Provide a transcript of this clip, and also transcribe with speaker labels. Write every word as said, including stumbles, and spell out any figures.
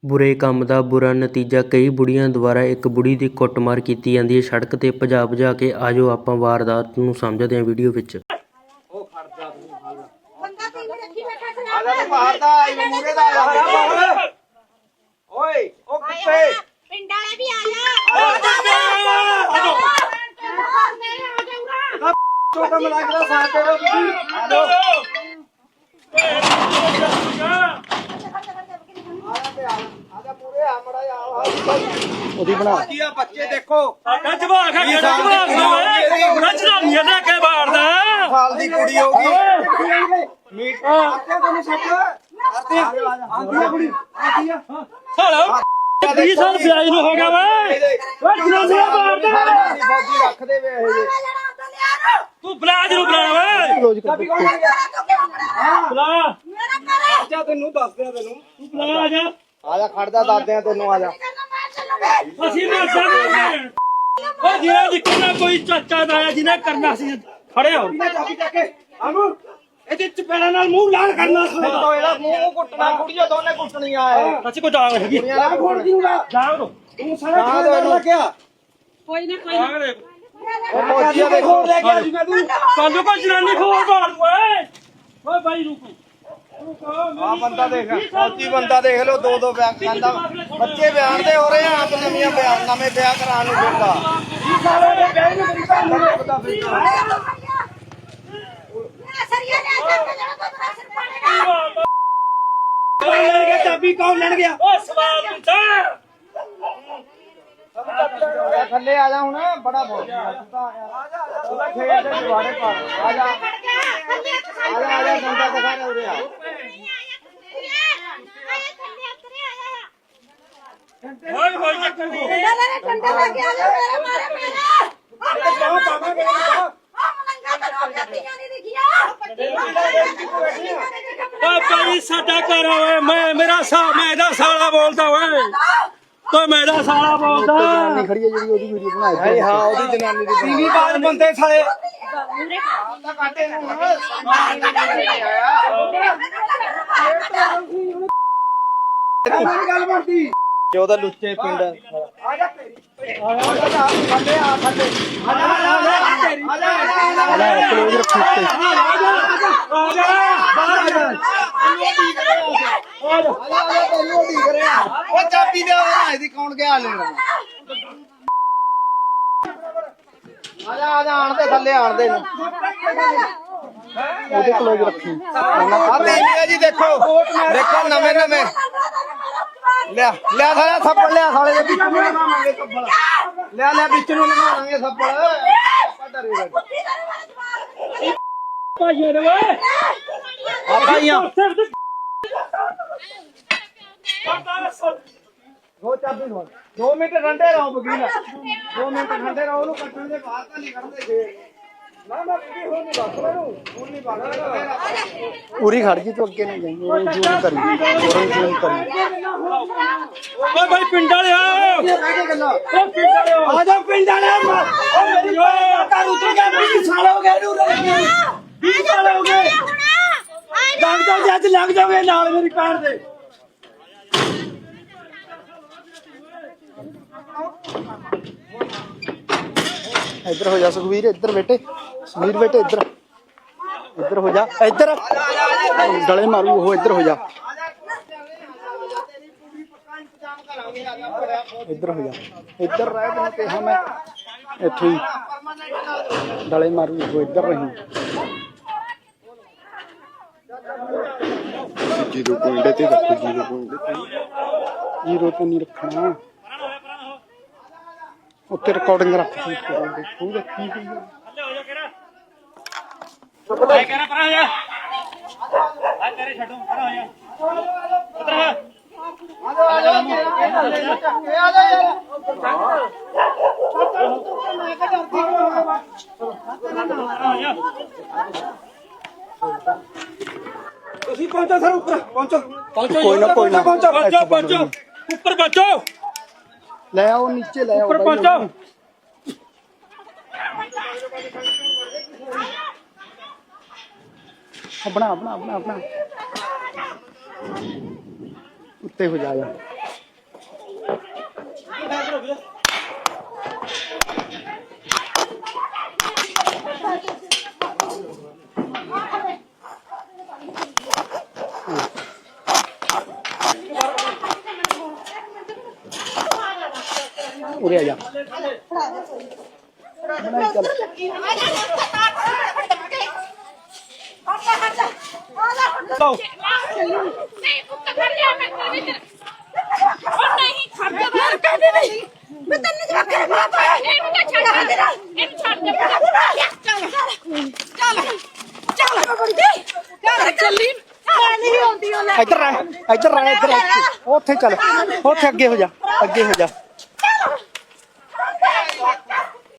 Speaker 1: ਬੁਰੇ ਕੰਮ ਦਾ ਬੁਰਾ ਨਤੀਜਾ। ਕਈ ਬੁੜੀਆਂ ਦੁਆਰਾ ਇੱਕ ਬੁੜੀ ਦੀ ਕੁੱਟਮਾਰ ਕੀਤੀ ਜਾਂਦੀ ਹੈ ਸੜਕ 'ਤੇ ਭਜਾ ਭਜਾ ਕੇ। ਆ ਜਾਓ ਆਪਾਂ ਵਾਰਦਾਤ ਨੂੰ ਸਮਝਦੇ ਹਾਂ ਵੀਡੀਓ ਵਿੱਚ।
Speaker 2: ਓਏ ਉਹ ਕਿੱਥੇ
Speaker 3: ਪਿੰਡ ਵਾਲੇ ਵੀ ਆ ਜਾ
Speaker 2: ਛੋਟਾ ਮਲਾਕ ਦਾ ਸਾਥ ਦਿਓ ਤੁਸੀਂ ਆ ਲੋ ਉਹਦੀ ਬਣਾ ਕੀ ਆ ਬੱਚੇ ਦੇਖੋ
Speaker 4: ਜਵਾ ਖਾ ਕੇ ਜਵਾ ਰਚਨਾ ਨਹੀਂ ਲੈ ਕੇ ਬਾੜਦਾ
Speaker 2: ਸਾਲ ਦੀ ਕੁੜੀ ਹੋਗੀ ਮੀਟ ਆਤੇ ਤੁਹਾਨੂੰ ਸੱਚ ਆਤੇ ਆਂਦੀ ਆ ਕੁੜੀ ਆਂਦੀ ਆ
Speaker 4: ਸਾਲਾ ਵੀਹ ਸਾਲ ਵਿਆਹ ਨੂੰ ਹੋ ਗਿਆ ਵੇ ਓਏ ਜਨਾਨੀਆਂ ਮਾਰਦਾ
Speaker 2: ਫੌਜੀ ਰੱਖਦੇ ਵੇ ਇਹ ਜੇ
Speaker 4: ਤੂੰ ਬਲਾਜ ਨੂੰ ਬੁਲਾ ਵੇ
Speaker 2: ਰੋਜ਼ ਕਰ
Speaker 4: ਬੁਲਾ
Speaker 2: ਅੱਛਾ ਤੈਨੂੰ ਦੱਸ ਦਿਆਂ ਤੈਨੂੰ
Speaker 4: ਤੂੰ ਬੁਲਾ ਆ ਜਾ
Speaker 2: ਆ ਜਾ ਖੜਦਾ ਦੱਸਦੇ ਆ ਤੈਨੂੰ ਆ ਜਾ
Speaker 4: ਅਸੀਂ ਮਰ ਜਾਵਾਂਗੇ ਓ ਜਿਹੜਾ ਜਿੱਕਣਾ ਕੋਈ ਚਾਚਾ ਦਾ ਜਿਹਨੇ ਕਰਨਾ ਸੀ ਖੜੇ ਹੋ
Speaker 2: ਚਾਬੀ ਚੱਕ ਕੇ ਆਨੂੰ
Speaker 4: ਇਹਦੇ ਚਪੇੜਾ ਨਾਲ ਮੂੰਹ ਲਾਲ ਕਰਨਾ
Speaker 2: ਤੋ ਇਹਦਾ ਮੂੰਹ ਕੁੱਟਣਾ ਕੁੜੀਆਂ ਦੋਨੇ ਕੁੱਟਣੀਆਂ ਐ
Speaker 4: ਸੱਚ ਕੋ ਡਾਂਗ ਹੈਗੀ
Speaker 2: ਕੁੜੀਆਂ ਨਾਲ ਫੋੜ ਦਿੰਗਾ
Speaker 4: ਡਾਂਗ ਦੋ
Speaker 2: ਤੂੰ ਸਾਰਾ ਖਾਣਾ ਲੱਗਿਆ
Speaker 3: ਕੋਈ ਨਾ ਕੋਈ
Speaker 4: ਡਾਂਗ ਦੇ
Speaker 2: ਉਹ ਫੌਜੀਆਂ ਦੇ ਖੋਲ ਲੈ ਗਿਆ ਸੀ ਮੈਂ ਤੂੰ
Speaker 4: ਕੱਲ ਕੋ ਜਨਾਨੀ ਖੋਲ ਬਾੜ ਓਏ ਓਏ ਬਾਈ ਰੁਕੋ
Speaker 2: ਆ ਬੰਦਾ ਦੇਖ ਫੌਜੀ ਬੰਦਾ ਦੇਖ ਲੋ ਦੋ ਦੋ ਬਿਆਨ ਖਾਂਦਾ ਬੱਚੇ ਬਿਆਨ ਦੇ ਹੋ ਰਹੇ ਆ ਆਪ ਨਵੀਆਂ ਬਿਆਨ ਨਵੇਂ ਵਿਆਹ ਕਰਾਉਣ ਨੂੰ ਫਿਰਦਾ ਇਹ ਸਾਰੇ ਦੇ ਵਿਆਹ ਨੂੰ ਮੇਰੀ ਭੈਣ ਨੂੰ ਰੋਕਦਾ ਫਿਰਦਾ
Speaker 3: ਸਰੀਆ ਲੈ ਜਾ ਕੇ ਜਿਹੜਾ ਤੋਂ ਪ੍ਰੈਸ਼ਰ ਪਾੜੇਗਾ
Speaker 2: ਕੌਣ ਲੈਣ ਗਿਆ ਚਾਬੀ ਕੌਣ ਲੈਣ ਗਿਆ
Speaker 4: ਓ ਸਵਾਲ ਪੁੱਛਾ
Speaker 2: ਥੱਲੇ ਆ ਜਾ ਹੁਣ ਬੜਾ ਬੋਲ ਆ ਜਾ ਉਹਦਾ ਖੇਡ ਦੇ ਜਵਾੜੇ ਪਾ ਆ ਜਾ ਆ ਜਾ ਆ ਜਾ ਬੰਦਾ ਦਿਖਾ ਰਿਹਾ ਉਰੇ ਆ
Speaker 4: ਓਏ ਹੋਈ ਚੱਕਰ ਕੋ
Speaker 3: ਡੰਡਾ ਲੈ ਡੰਡਾ ਲੈ ਕੇ ਆ ਜਾ ਮੇਰੇ ਮਾਰੇ ਮੇਰੇ
Speaker 2: ਕਿਉਂ ਪਾਵਾਂਗੇ
Speaker 3: ਆ ਮਲੰਗਾ ਤਾਂ ਹੋ ਜਾਂਦੀਆਂ ਨਹੀਂ ਦਿਖਿਆ
Speaker 4: ਓ ਭਾਈ ਸਾਡਾ ਘਰ ਓਏ ਮੈਂ ਮੇਰਾ ਸਾ ਮੈਂ ਇਹਦਾ ਸਾਲਾ ਬੋਲਦਾ ਓਏ ਓਏ ਮੇਰਾ ਸਾਲਾ ਬੋਲਦਾ
Speaker 2: ਖੜੀ ਹੈ ਜਿਹੜੀ ਉਹਦੀ ਵੀਡੀਓ ਬਣਾਈ ਹਾਂ ਉਹਦੀ ਜਨਾਨੀ ਦੀ ਟੀਵੀ ਬਾਜ ਬੰਦੇ ਸਾਲੇ ਤਾਂ ਕਾਟੇ ਨੂੰ ਗੱਲ ਬਣਦੀ ਕਿ ਉਹਦਾ ਲੁੱਚੇ ਪਿੰਡ ਆ ਜਾ ਤੇਰੀ ਆ ਜਾ ਥੱਲੇ ਆ ਥੱਲੇ ਆ ਜਾ ਆ ਜਾ ਆ ਜਾ ਆ ਜਾ ਕਲੋਜ਼ ਰੱਖੀ ਤੇ ਆ ਜਾ ਆ ਜਾ ਬਾਹਰ ਆ ਜਾ ਆ ਜਾ ਤੈਨੂੰ ਢੀਕ ਰਿਹਾ ਉਹ ਚਾਬੀ ਦੇ ਉਹ ਇਹਦੀ ਕੌਣ ਗਿਆ ਲੈਣਾ ਆ ਜਾ ਆ ਜਾ ਆਣ ਦੇ ਥੱਲੇ ਆਣ ਦੇ ਉਹਦੇ ਕਲੋਜ਼ ਰੱਖੀ ਆ ਤੇਲੀਆ ਜੀ ਦੇਖੋ ਦੇਖੋ ਨਵੇਂ ਨਵੇਂ ਲਿਆ ਲਿਆ ਸਾਲਿਆ ਥੱਪੜ ਲਿਆ ਸਾਲੇ ਦੇ ਵਿੱਚ ਨੂੰ ਲਗਾਵਾਂਗੇ ਥੱਪੜ ਲਿਆ ਲਿਆ ਵਿੱਚ ਨੂੰ ਲਗਾਵਾਂਗੇ ਥੱਪੜ ਆਪਾਂ ਡਰੇ
Speaker 4: ਭਾਈਆਂ ਦੇ ਓਏ
Speaker 2: ਆ ਭਾਈਆਂ ਦੋ ਚਾਬੀ ਹੋਣ ਦੋ ਮਿੰਟ ਠੰਡੇ ਰਹੋ ਵਕੀਲ ਦੋ ਮਿੰਟ ਠੰਡੇ ਰਹੋ ਉਹਨੂੰ ਕੱਟਣ ਦੇ ਬਾਹਰ ਤਾਂ ਨਹੀਂ ਕੱਢਦੇ ਜੇ ਨਾ ਨਾ ਵੀਡੀਓ ਹੋ ਨਹੀਂ ਬਸ ਮੈਨੂੰ ਹੁਣ ਨਹੀਂ ਬਾਹਰ ਪੂਰੀ ਖੜ ਗਈ ਤੂੰ ਅੱਗੇ ਨਹੀਂ ਜਾਈਂ ਉਹ ਜ਼ੂਮ ਕਰੀ ਉਹ ਜ਼ੂਮ ਕਰੀ
Speaker 4: ਓਏ ਭਾਈ ਪਿੰਡ ਵਾਲੇ ਆ ਓ ਪਿੰਡ ਵਾਲੇ
Speaker 2: ਆ ਜਾ ਪਿੰਡ ਵਾਲੇ ਓ ਮੇਰੀ ਘਰ ਉਤਰ ਗਿਆ ਵੀਹ ਸਾਲ ਹੋ ਗਏ ਨੂੰ ਵੀਹ ਸਾਲ ਹੋ ਗਏ ਲੱਗ ਜਾਓਗੇ ਅੱਜ ਲੱਗ ਜਾਓਗੇ ਨਾਲ ਮੇਰੀ ਕਾਰ ਦੇ ਇੱਧਰ ਹੋ ਜਾ ਸੁਖਵੀਰ ਇੱਧਰ ਬੇਟੇ ਸੁਖਵੀਰ ਬੇਟੇ ਇੱਧਰ ਇੱਧਰ ਹੋ ਜਾ ਇੱਧਰ ਗਲੇ ਮਾਰੂ ਉਹ ਇੱਧਰ ਹੋ ਜਾ ਇੱਧਰ ਹੋ ਜਾ ਇੱਧਰ ਰਹਿ ਤੈਨੂੰ ਕਿਹਾ ਮੈਂ ਇੱਥੇ ਹੀ ਗਲੇ ਮਾਰੂ ਉਹ ਇੱਧਰ ਰਹੀ ਜੀਰੋ ਪੁਆਇੰਟ ਤੇ ਰੱਖੋ ਜੀਰੋ ਪੁਆਇੰਟ ਜੀਰੋ ਤੇ ਨਹੀਂ ਰੱਖਣਾ ਉੱਤੇ ਰਿਕਾਰਡਿੰਗ ਰੱਖ ਕਰਾਂਗੇ ਖੂਹ ਰੱਖੀ ਹੋਈ ਹੈ
Speaker 4: ਐ ਕਹਿਣਾ ਪਰਾਂ ਜਾ ਆ ਤੇਰੇ ਛੱਡੋ ਪਰਾਂ ਹੋ ਜਾ ਉਧਰ ਆ
Speaker 2: ਆ ਜਾ ਆ ਜਾ ਆ ਜਾ ਯਾਰ ਮੈਂ ਕਿਹਾ ਤੁਸੀਂ ਪਹੁੰਚੋ ਸਰ ਉੱਪਰ ਪਹੁੰਚੋ
Speaker 4: ਪਹੁੰਚੋ
Speaker 2: ਕੋਈ ਨਾ ਕੋਈ ਨਾ
Speaker 4: ਪਹੁੰਚੋ ਪਹੁੰਚੋ ਉੱਪਰ ਪਹੁੰਚੋ
Speaker 2: ਲੈ ਆਓ ਨੀਚੇ ਲੈ ਆਓ
Speaker 4: ਉੱਪਰ ਪਹੁੰਚੋ
Speaker 2: ਬਣਾ ਬਣਾ ਬਣਾ ਬਣਾ ਉੱਤੇ ਹੋ ਜਾ ਜਾ
Speaker 3: ਨਹੀਂ ਪੁੱਤ ਕਰ ਲਿਆ ਮੈਂ ਕੋਈ ਨਹੀਂ ਉਹ ਨਹੀਂ ਖੜਦਾ ਬਾਹਰ ਕਹਿੰਦੇ ਨਹੀਂ ਮੈਂ ਤੈਨੂੰ ਜਵਾਬ ਕਰ ਮਾਂ ਪਾਇਆ ਇਹਨੂੰ ਤਾਂ ਛੱਡ ਦੇ ਇਹਨੂੰ ਛੱਡ ਦੇ ਚੱਲ ਚੱਲ ਚੱਲ ਬੰਦੀ ਚੱਲ ਚੱਲੀ ਮੈਂ ਨਹੀਂ ਆਉਂਦੀ ਉਹ ਲੈ
Speaker 2: ਇੱਧਰ ਰਹਿ ਇੱਧਰ ਰਹਿ ਇੱਧਰ ਉੱਥੇ ਚੱਲ ਉੱਥੇ ਅੱਗੇ ਹੋ ਜਾ ਅੱਗੇ ਹੋ ਜਾ